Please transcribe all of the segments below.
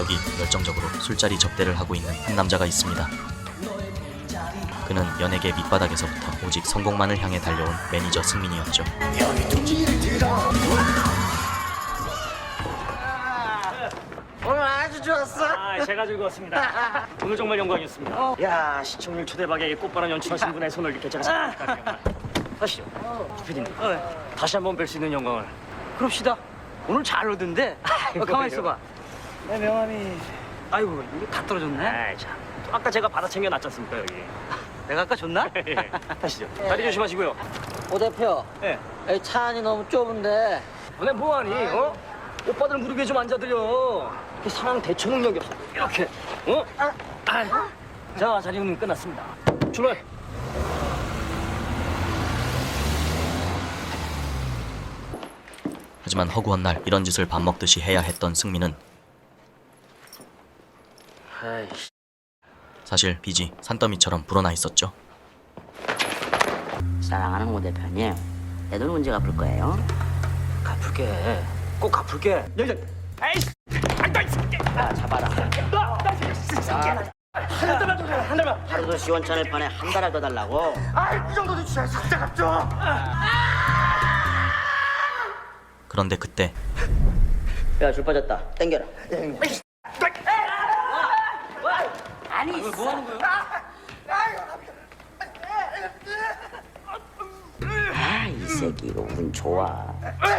여기 열정적으로 술자리 접대를 하고 있는 한 남자가 있습니다. 그는 연예계 밑바닥에서부터 오직 성공만을 향해 달려온 매니저 승민이었죠. 오늘 아주 좋았어. 제가 즐거웠습니다. 오늘 정말 영광이었습니다. 야, 시청률 초대박에 꽃바람 연출하신 분의 손을 이렇게 제가 잡았다니까. 하시죠. PD님, 다시 한번 뵐 수 있는 영광을. 그럽시다. 오늘 잘 오던데. 가만 있어봐. 내 명함이. 아이고 이거 다 떨어졌네. 아이 참. 또 아까 제가 받아 챙겨 놨지 않습니까 여기. 내가 아까 줬나? 하시죠. 다리 조심하시고요. 오 대표. 예. 이 차 안이 너무 좁은데. 너네 뭐하니? 어? 오빠들 무릎에 좀 앉아드려. 이렇게 상황 대처 능력이 없어. 이렇게. 어? 자, 자리 운동 끝났습니다. 출발. 하지만 허구한 날 이런 짓을 밥 먹듯이 해야 했던 승민은 아이씨. 사실 빚이 산더미처럼 불어나 있었죠. 사랑하는 오 대표님, 내 돈 언제 갚을 거예요? 갚을게. 꼭 갚을게. 여기. 아이씨. 안다 이 새끼. 잡아라. 한 달만. 하루도 시원찮을 판에 한 달을 더 달라고. 이 정도는 주셔야 삭제 갚죠. 그런데 그때 야, 줄 빠졌다. 땡겨라. 아니, 뭐 하는 거야? 아, 이 새끼 이거 운 좋아.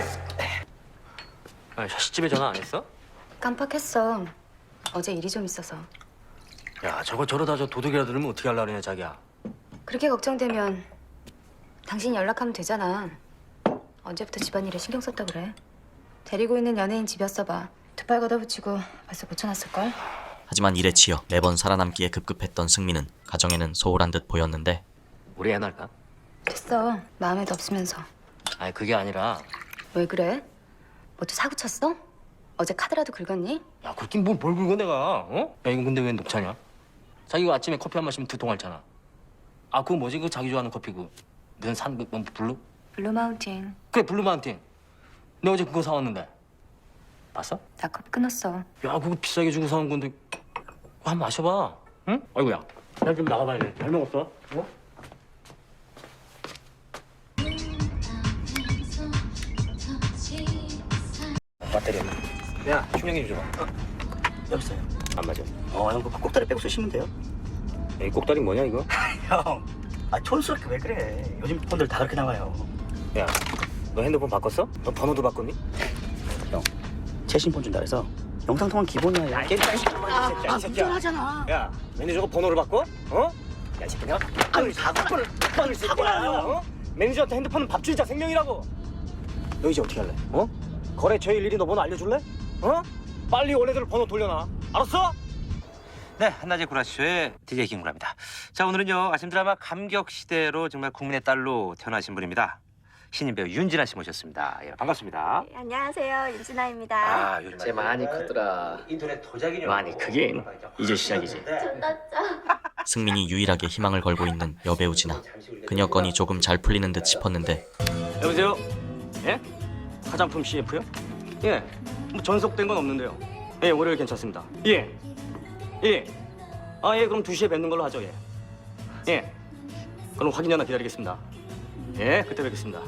샤시집에 전화 안 했어? 깜빡했어. 어제 일이 좀 있어서. 야, 저러다 저 도둑이라도 들으면 어떻게 하려고 그러냐, 자기야. 그렇게 걱정되면 당신이 연락하면 되잖아. 언제부터 집안일에 신경 썼다 그래? 데리고 있는 연예인 집이었어봐. 두 팔 걷어붙이고 벌써 고쳐놨을걸? 하지만 일에 치여 매번 살아남기에 급급했던 승민은 가정에는 소홀한 듯 보였는데 우리 애 낳을까? 됐어. 마음에도 없으면서. 아니, 그게 아니라. 왜 그래? 뭐 또 사고 쳤어? 어제 카드라도 긁었니? 야, 그렇긴 뭘 긁어 내가, 어? 야, 이거 근데 왜 녹차냐? 자기가 아침에 커피 한 마시면 두통 앓잖아. 아, 그거 뭐지? 그 자기 좋아하는 커피 넌 산 뭐, 블루? 블루 마운틴. 그래, 블루 마운틴. 내가 어제 그거 사왔는데. 봤어? 나 커피 끊었어. 야, 그거 비싸게 주고 사온 건데. 그거 한번 마셔봐. 응? 아이고야. 나 좀 나가봐야 돼. 잘 먹었어? 어? 배터리 없나? 야, 충전기 좀 줘봐. 여기 있어요. 안 맞아. 형, 그 꼭다리 빼고 쓰시면 돼요. 이 꼭다리 뭐냐, 이거? 형, 촌스럽게 왜 그래? 요즘 폰들 다 그렇게 나와요. 야, 너 핸드폰 바꿨어? 너 번호도 바꿨니? 형, 최신 폰 준다 해서 영상 통화 기본이야. 야, 이 새끼야. 하잖아. 야, 매니저가 번호를 바꿔? 어? 야, 이 새끼야. 아니, 사고를 사고라뇨. 어? 매니저한테 핸드폰은 밥주의자 생명이라고. 너 이제 어떻게 할래? 어? 거래처에 일일이 너 번호 알려줄래? 어? 빨리 원래대로 번호 돌려놔. 알았어? 네, 한낮의 구라쇼의 DJ 김구라입니다. 자, 오늘은요, 아침 드라마 감격시대로 정말 국민의 딸로 태어나신 분입니다. 신인 배우 윤진아 씨 모셨습니다. 예, 반갑습니다. 네, 안녕하세요. 윤진아입니다. 아, 요즘 쟤 많이 크더라. 인터넷 도자기냐? 많이 크긴. 이제 시작이지. 승민이 유일하게 희망을 걸고 있는 여배우 진아. 그녀 건이 조금 잘 풀리는 듯 싶었는데 여보세요? 예? 화장품 CF요? 예. 뭐 전속된 건 없는데요. 예, 월요일 괜찮습니다. 예. 예. 아, 예, 그럼 2시에 뵙는 걸로 하죠, 예. 예. 그럼 확인 전화 기다리겠습니다. 예, 그때 뵙겠습니다.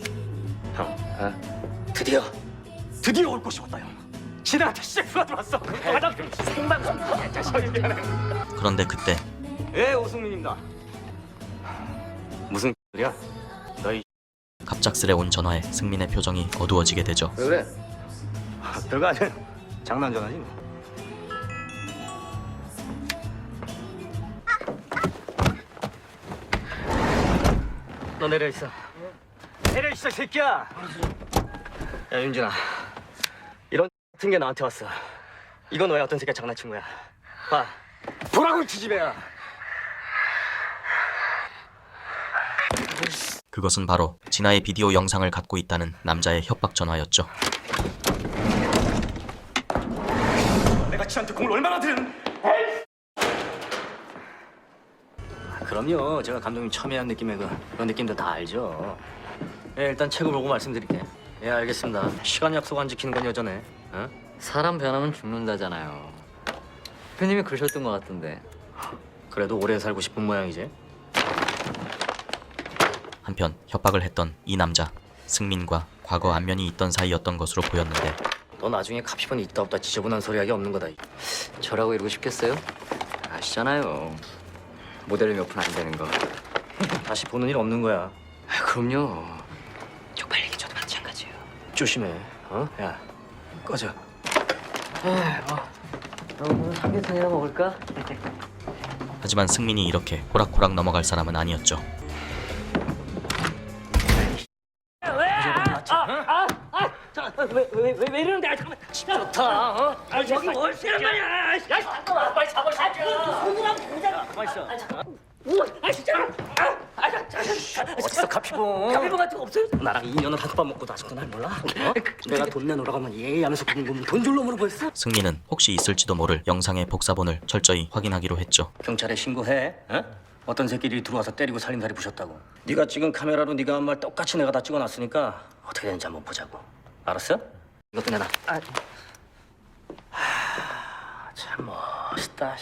형, 드디어 올 곳이 왔다, 형. 신한테 CF가 들어왔어. 화장품 생방송. 미안해. 그런데 그때 예, 오승민입니다. 무슨 소리야? 너희 갑작스레 온 전화에 승민의 표정이 어두워지게 되죠. 왜 그래? 별거 아니야. 장난 전화지 뭐. 너 내려 있어. 내려 있어, 새끼야. 야, 윤진아. 이런 같은 게 나한테 왔어. 이건 왜 어떤 새끼가 장난친 거야? 봐. 보라고, 이 지지배야. 그것은 바로 진아의 비디오 영상을 갖고 있다는 남자의 협박 전화였죠. 내가 지한테 공을 얼마나 들은? 그럼요. 제가 감독님 첨예한 느낌의 그런 느낌도 다 알죠. 예, 일단 책을 보고 말씀드릴게. 예, 알겠습니다. 시간 약속 안 지키는 건 여전해. 어? 사람 변하면 죽는다잖아요. 대표님이 그러셨던 것 같은데. 그래도 오래 살고 싶은 모양이지. 한편 협박을 했던 이 남자 승민과 과거 안면이 있던 사이였던 것으로 보였는데 너 나중에 카피본이 있다 없다 지저분한 소리하기 없는 거다. 저라고 이러고 싶겠어요? 아시잖아요. 모델이 몇 푼 안 되는 거. 다시 보는 일 없는 거야. 그럼요. 쪽팔리기 저도 마찬가지예요. 조심해. 어? 야, 꺼져. 오늘 삼계탕이나 먹을까? 하지만 승민이 이렇게 호락호락 넘어갈 사람은 아니었죠. 왜 이러는데? 아, 잠깐만. 좋다. 어? 아, 여기 뭘 쓰는 말이야? 야, 잠깐만. 빨리 잡을 사줘. 손이랑 보자. 가만 있어. 아, 진짜. 어딨어, 카피본? 카페 같은 거 없어요? 나랑 2년을 한솥밥 먹고도 아직도 날 몰라? 어? 내가 돈 내놓으라고 하면 예의 하면서 굶으면 돈 줄 놈으로 보였어? 승민은 혹시 있을지도 모를 영상의 복사본을 철저히 확인하기로 했죠. 경찰에 신고해. 어? 어떤 새끼들이 들어와서 때리고 살림살이 부셨다고. 네가 찍은 카메라로 네가 한 말 똑같이 내가 다 찍어놨으니까 어떻게 되는지 한번 보자고. 알았어? 이것도 내놔. 참 멋있다.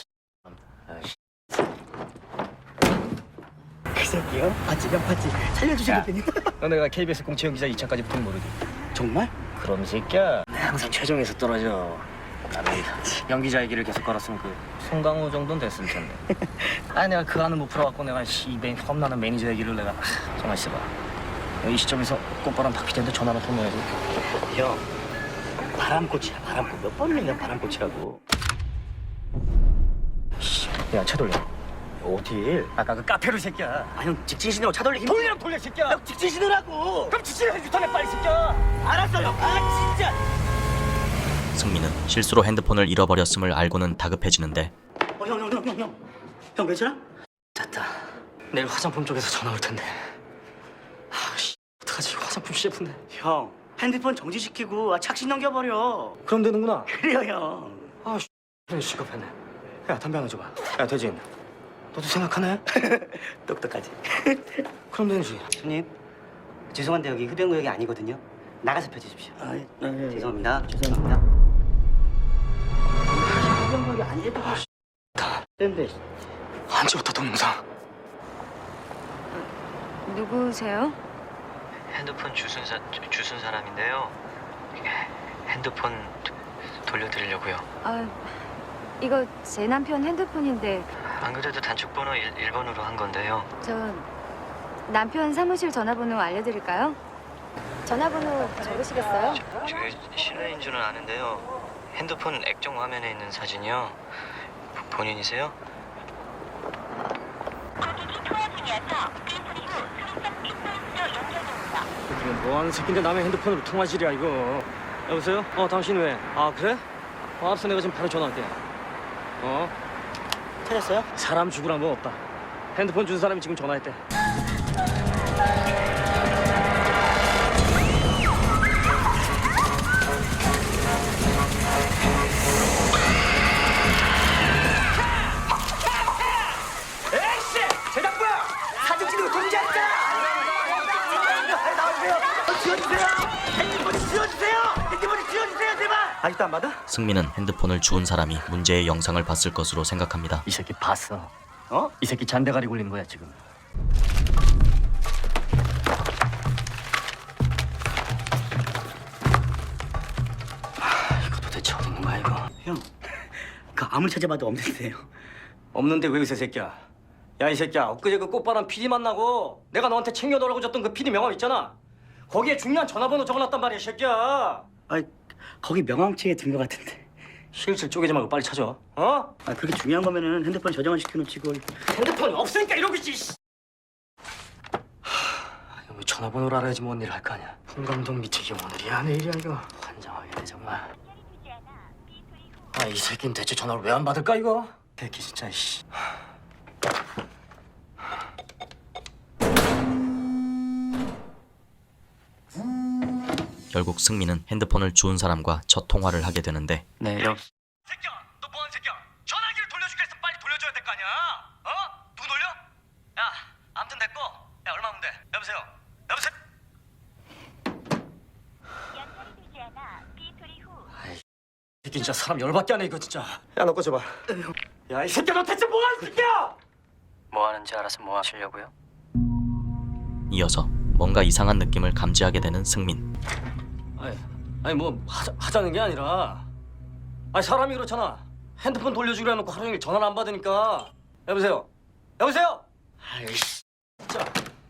그 새끼요? 봤지? 몇 봤지? 살려주시겠더니. 너 내가 KBS 공채영 기자 2차까지 붙은 거 모르지? 정말? 그럼 이 새끼야. 내가 항상 최종에서 떨어져. 나는 연기자의 길을 계속 걸었으면 그 송강호 정도는 됐을 텐데. 아니 내가 그 안을 못 풀어갖고 내가 험난한 매니저의 길을 내가 정말 있어봐. 이 시점에서 꽃바람 박피디한테 전화로 통화해서 형, 바람꽃이야, 바람꽃. 몇 번을 내가 바람꽃이라고. 야 차돌려. 어딜? 아까 그 카페로 이 새끼야. 아, 형 직진 신으라고 차 돌리기. 돌리라고 돌려 이 새끼야. 형 직진 신으라고. 그럼 지치해서 유턴해 빨리 이 새끼야. 알았어, 형. 아, 진짜. 승민은 실수로 핸드폰을 잃어버렸음을 알고는 다급해지는데 형 괜찮아? 됐다. 내일 화장품 쪽에서 전화 올 텐데. 아씨 어떡하지 화장품 CF인데. 형, 핸드폰 정지시키고 착신 넘겨버려. 그럼 되는구나. 그래요, 형. 아씨 시급했네. 야 담배 하나 줘봐. 야 대진. 너도 생각하네? 똑똑하지. 그럼 되지. 손님, 죄송한데 여기 흡연구역이 아니거든요. 나가서 펴주십시오. 아, 네. 죄송합니다. 죄송합니다. 흡연구역이 아니래도 근데 언제부터 동영상? 누구세요? 핸드폰 주순 사람인데요. 핸드폰 돌려드리려고요. 아, 이거 제 남편 핸드폰인데 안 그래도 단축번호 1번으로 한 건데요. 저 남편 사무실 전화번호 알려드릴까요? 전화번호 적으시겠어요? 저 실례인 줄은 아는데요. 핸드폰 액정 화면에 있는 사진이요. 본인이세요? 지금 뭐하는 새끼인데 남의 핸드폰으로 통화질이야 이거. 여보세요? 당신 왜? 아 그래? 알았어 내가 지금 바로 전화할게. 찾았어요? 사람 죽으란 건 없다. 핸드폰 준 사람이 지금 전화했대. 에이씨! 제작부야! 사진 찍는 거 공개하니까! 나와주세요! 지워주세요! 핸드폰이 지워주세요! 핸드폰이 지워주세요, 제발! 아직도 안 받아? 승민은 핸드폰을 주운 사람이 문제의 영상을 봤을 것으로 생각합니다. 이 새끼 봤어. 이 새끼 잔대가리 굴리는 거야 지금. 이거 도대체 어디 있는 거야 이거? 형, 그 아무리 찾아봐도 없는데요. 없는데 왜 의세 새끼야? 야 이 새끼야 엊그제 그 꽃바람 PD 만나고 내가 너한테 챙겨놓으라고 줬던 그 PD 명함 있잖아. 거기에 중요한 전화번호 적어놨단 말이야 이 새끼야. 아, 거기 명함책에 든 거 같은데. 실실 쪼개지 말고 빨리 찾아. 아, 그렇게 중요한 거면은 핸드폰 저장을 시켜놓지 걸. 핸드폰이 없으니까 이러고 있지. 왜 전화번호를 알아야지 뭔 일을 할 거 아니야. 홍 감독 미팅이 오늘이야 내일이야 이거. 환장하겠네 정말. 이 새끼는 대체 전화를 왜 안 받을까 이거? 새끼 진짜 씨. 결국 승민은 핸드폰을 주운 사람과 첫 통화를 하게 되는데 네, 새끼야, 너 뭐하는 새끼야? 전화기를 돌려줄게 해서 빨리 돌려줘야 될 거 아니야? 누구 돌려? 야, 아무튼 됐고, 야 얼마면 돼? 여보세요? 여보세요? 이게 진짜 사람 열받게 하네 이거 진짜. 야 너 꺼져봐. 야 이 새끼야 너 대체 뭐하는 새끼야? 뭐 하는지 알아서 뭐 하시려고요? 이어서 뭔가 이상한 느낌을 감지하게 되는 승민. 아니 뭐 하자는 게 아니라 아니 사람이 그렇잖아. 핸드폰 돌려주기로 해놓고 하루 종일 전화를 안 받으니까. 여보세요? 여보세요? 아이씨 진짜.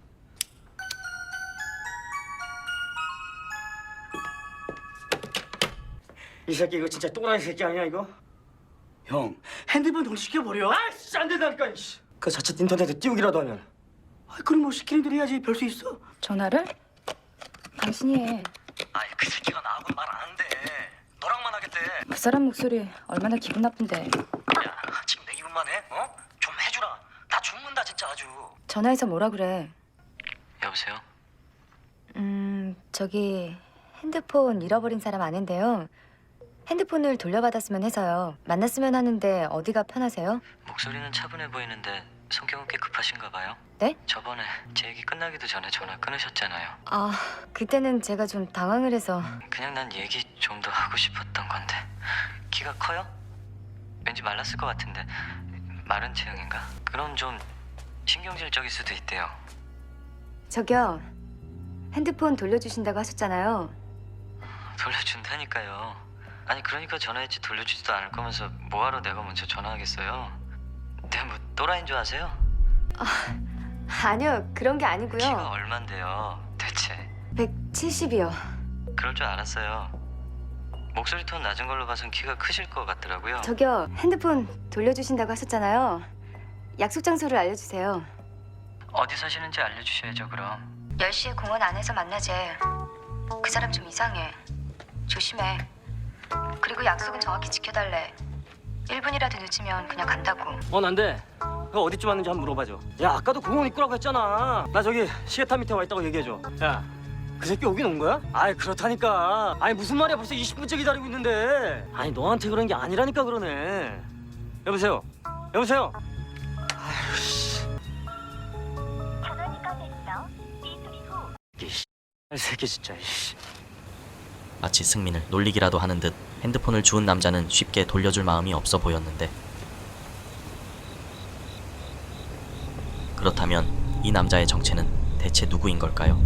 이 새끼 이거 진짜 또라이 새끼 아니야 이거? 형, 핸드폰 돌려시켜버려. 아이씨 안 된다니까 이씨. 그 자칫 인터넷에 띄우기라도 하면. 그럼 뭐 시키는 대로 해야지. 별 수 있어. 전화를? 당신이 해. 아이, 그 새끼가 나하고는 말 안 한대. 너랑만 하겠대. 그 사람 목소리 얼마나 기분 나쁜데. 야, 지금 내 기분만 해? 어? 좀 해주라. 나 죽는다 진짜 아주. 전화해서 뭐라 그래. 여보세요? 저기 핸드폰 잃어버린 사람 아는데요. 핸드폰을 돌려받았으면 해서요. 만났으면 하는데 어디가 편하세요? 목소리는 차분해 보이는데 성격은 꽤 급하신가 봐요. 네? 저번에 제 얘기 끝나기도 전에 전화 끊으셨잖아요. 아, 그때는 제가 좀 당황을 해서. 그냥 난 얘기 좀 더 하고 싶었던 건데. 키가 커요? 왠지 말랐을 것 같은데 마른 체형인가? 그럼 좀 신경질적일 수도 있대요. 저기요. 핸드폰 돌려주신다고 하셨잖아요. 돌려준다니까요. 아니 그러니까 전화했지 돌려주지도 않을 거면서 뭐하러 내가 먼저 전화하겠어요? 내가 뭐 또라이인 줄 아세요? 아니요, 그런 게 키가 아니고요. 얼만데요 대체? 170이요. 그럴 줄 알았어요. 목소리 톤 낮은 걸로 봐선 키가 크실 것 같더라고요. 저기요, 핸드폰 돌려주신다고 하셨잖아요. 약속 장소를 알려주세요. 어디 사시는지 알려주셔야죠 그럼. 10시에 공원 안에서 만나재. 그 사람 좀 이상해. 조심해. 그리고 약속은 정확히 지켜달래. 1분이라도 늦으면 그냥 간다고. 난데. 그 어디쯤 왔는지 한번 물어봐줘. 야 아까도 공원 입구라고 했잖아. 나 저기 시계탑 밑에 와 있다고 얘기해줘. 야 그 새끼 오긴 온 거야? 아이 그렇다니까. 아니 무슨 말이야 벌써 20분째 기다리고 있는데. 아니 너한테 그런 게 아니라니까 그러네. 여보세요? 여보세요? 아유 씨. 이 새끼 진짜 이씨. 마치 승민을 놀리기라도 하는 듯 핸드폰을 주운 남자는 쉽게 돌려줄 마음이 없어 보였는데, 그렇다면 이 남자의 정체는 대체 누구인 걸까요?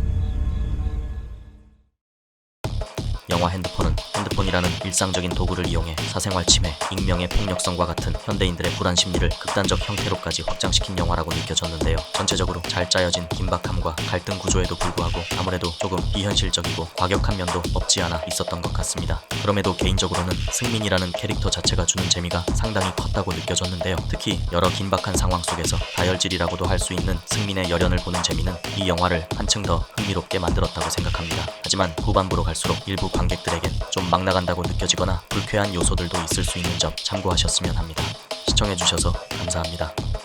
영화 핸드폰은 핸드폰이라는 일상적인 도구를 이용해 사생활 침해, 익명의 폭력성과 같은 현대인들의 불안 심리를 극단적 형태로까지 확장시킨 영화라고 느껴졌는데요. 전체적으로 잘 짜여진 긴박함과 갈등 구조에도 불구하고 아무래도 조금 비현실적이고 과격한 면도 없지 않아 있었던 것 같습니다. 그럼에도 개인적으로는 승민이라는 캐릭터 자체가 주는 재미가 상당히 컸다고 느껴졌는데요. 특히 여러 긴박한 상황 속에서 다혈질이라고도 할 수 있는 승민의 열연을 보는 재미는 이 영화를 한층 더 흥미롭게 만들었다고 생각합니다. 하지만 후반부로 갈수록 일부 관객들에겐 좀 막 나간다고 느껴지거나 불쾌한 요소들도 있을 수 있는 점 참고하셨으면 합니다. 시청해주셔서 감사합니다.